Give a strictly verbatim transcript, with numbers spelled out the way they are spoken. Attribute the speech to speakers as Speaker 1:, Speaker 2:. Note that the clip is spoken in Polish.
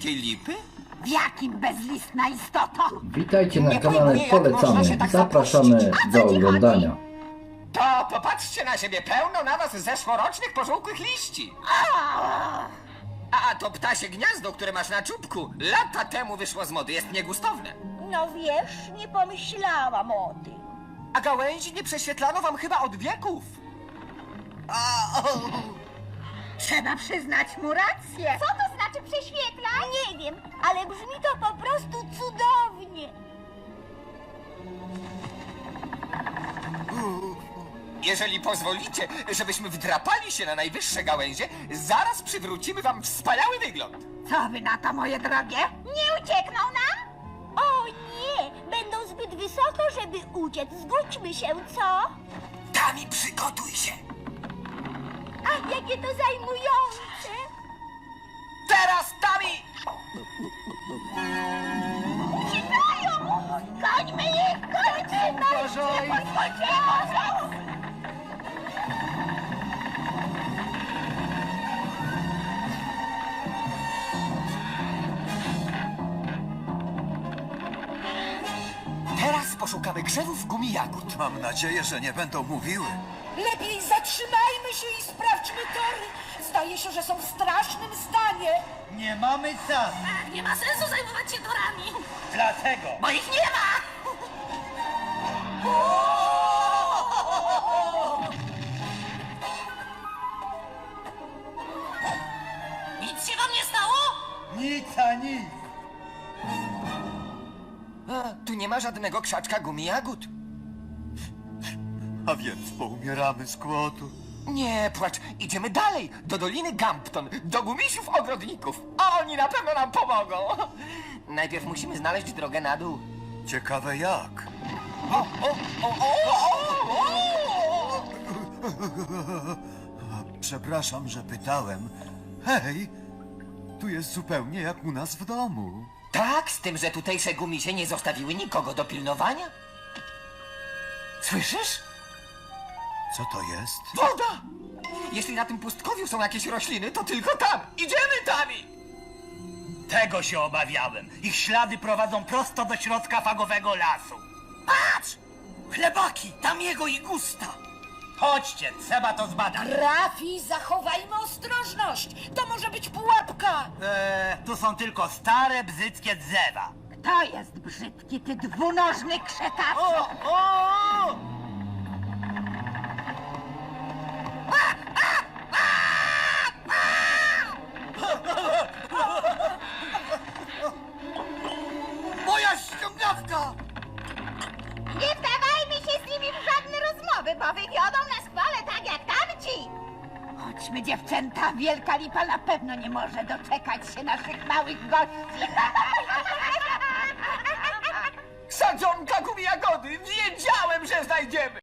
Speaker 1: dzikiej lipy?
Speaker 2: W jakim bezlistna istoto?
Speaker 3: Witajcie na
Speaker 1: Nie
Speaker 3: kanale
Speaker 1: pojmuję, jak można
Speaker 3: Polecamy.
Speaker 1: się tak
Speaker 3: Zapraszamy
Speaker 1: zapuścić.
Speaker 3: do oglądania.
Speaker 1: To popatrzcie na siebie, pełno na was zeszłorocznych pożółkłych liści. A to ptasie gniazdo, które masz na czubku, lata temu wyszło z mody, jest niegustowne.
Speaker 4: No wiesz, nie pomyślałam o tym.
Speaker 1: A gałęzi nie prześwietlano wam chyba od wieków. A, o.
Speaker 2: Trzeba przyznać mu rację.
Speaker 4: Co to znaczy prześwietla? Nie wiem, ale brzmi to po prostu cudownie.
Speaker 1: Jeżeli pozwolicie, żebyśmy wdrapali się na najwyższe gałęzie, zaraz przywrócimy wam wspaniały wygląd.
Speaker 2: Co wy na to, moje drogie?
Speaker 4: Nie uciekną nam? O nie, będą zbyt wysoko, żeby uciec. Zgódźmy się, co?
Speaker 1: Tami, przygotuj się.
Speaker 4: Ach, jakie to zajmujące.
Speaker 1: Teraz, Tami!
Speaker 4: Uciekają! Gońmy ich, gońmy!
Speaker 1: Uważaj!
Speaker 4: Pozwólcie!
Speaker 1: Teraz poszukamy krzewów gumi jagód.
Speaker 5: Mam nadzieję, że nie będą mówiły.
Speaker 6: Lepiej zatrzymajmy się i sprawdźmy tory. Zdaje się, że są w strasznym stanie.
Speaker 7: Nie mamy czasu,
Speaker 4: Nie ma sensu zajmować się torami,
Speaker 7: dlatego
Speaker 4: bo ich nie ma! Nic się wam nie stało?
Speaker 7: nic a nic.
Speaker 1: A, tu nie ma żadnego krzaczka gumi jagód.
Speaker 5: A więc poumieramy z głodu.
Speaker 1: Nie płacz, idziemy dalej, do Doliny Gampton, do gumisiów ogrodników. A oni na pewno nam pomogą. Najpierw musimy znaleźć drogę na dół.
Speaker 5: Ciekawe jak.
Speaker 1: O, o, o, o, o, o.
Speaker 5: Przepraszam, że pytałem. Hej, tu jest zupełnie jak u nas w domu.
Speaker 1: Tak, z tym, że tutejsze gumisie nie zostawiły nikogo do pilnowania. Słyszysz?
Speaker 5: Co to jest?
Speaker 1: Woda! Jeśli na tym pustkowiu są jakieś rośliny, to tylko tam. Idziemy, Tami!
Speaker 7: Tego się obawiałem. Ich ślady prowadzą prosto do środka fagowego lasu.
Speaker 1: Patrz! Chlebaki, tam jego i gusta.
Speaker 7: Chodźcie, trzeba to zbadać.
Speaker 6: Rafi, zachowajmy ostrożność. To może być pułapka.
Speaker 7: Eee, tu są tylko stare, bzyckie drzewa.
Speaker 2: Kto jest brzydki, ty dwunożny krzekaczu?
Speaker 7: O, o!
Speaker 1: Moja ściągawka!
Speaker 4: Nie wdawajmy się z nimi w żadne rozmowy, bo wywiodą nas chwale tak jak tamci.
Speaker 2: Chodźmy, dziewczęta. Wielka lipa na pewno nie może doczekać się naszych małych gości.
Speaker 1: Sadzonka gumi jagody! Wiedziałem, że znajdziemy!